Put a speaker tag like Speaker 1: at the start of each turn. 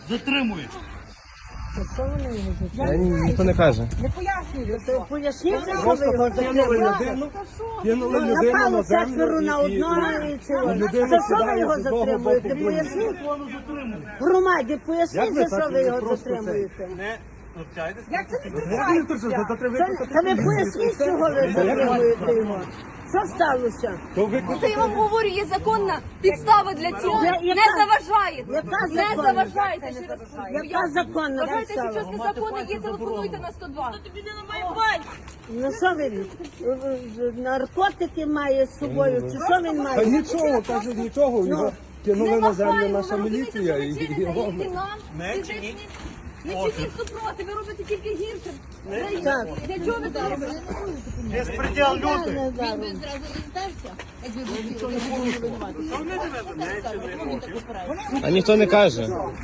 Speaker 1: затримують.
Speaker 2: Що вони його затримують?
Speaker 3: Ніхто не каже.
Speaker 2: Не пояснюйте. Поясніть, що ви його затримуєте.
Speaker 4: Кинули людину
Speaker 2: Напало
Speaker 4: на
Speaker 2: четверо
Speaker 4: землю
Speaker 2: на одного і цього.
Speaker 4: людина
Speaker 2: За що ви
Speaker 4: сідає
Speaker 2: його
Speaker 4: з одного
Speaker 2: затримуєте?
Speaker 4: боку.
Speaker 2: Поясніть.
Speaker 1: Затримують.
Speaker 2: Громаді, поясніть,
Speaker 4: Як ви
Speaker 2: за що
Speaker 4: так
Speaker 2: ви його
Speaker 4: просто це?
Speaker 2: затримуєте.
Speaker 1: Не навчайтесь.
Speaker 2: Як це не
Speaker 4: Та
Speaker 2: Та ви поясніть, чого ви затримуєте його. Що сталося?
Speaker 5: Та я вам говорю, є законна підстава для цього.
Speaker 2: Яка?
Speaker 5: Не заважаєте.
Speaker 2: Яка
Speaker 5: Не
Speaker 2: законна?
Speaker 5: заважаєте. Ще раз
Speaker 2: Яка законна
Speaker 5: Вважаєте, що
Speaker 2: підстава?
Speaker 5: щось незаконне є, телефонуйте на 102.
Speaker 2: Ну що він? Наркотики має з собою? Чи що він
Speaker 4: Та
Speaker 2: має?
Speaker 4: нічого, каже, нічого. Його кинули на землю наша міліція.
Speaker 5: Ви
Speaker 4: І
Speaker 5: чините
Speaker 4: його...
Speaker 5: і нам.
Speaker 1: Не
Speaker 5: і
Speaker 1: чиніть.
Speaker 5: Не чиніть супроти, ви робите тільки гірше.
Speaker 2: Так.
Speaker 5: Для чого ви це робите?
Speaker 1: Безпреділ лютий.
Speaker 2: Не знаю.
Speaker 3: А ніхто не каже.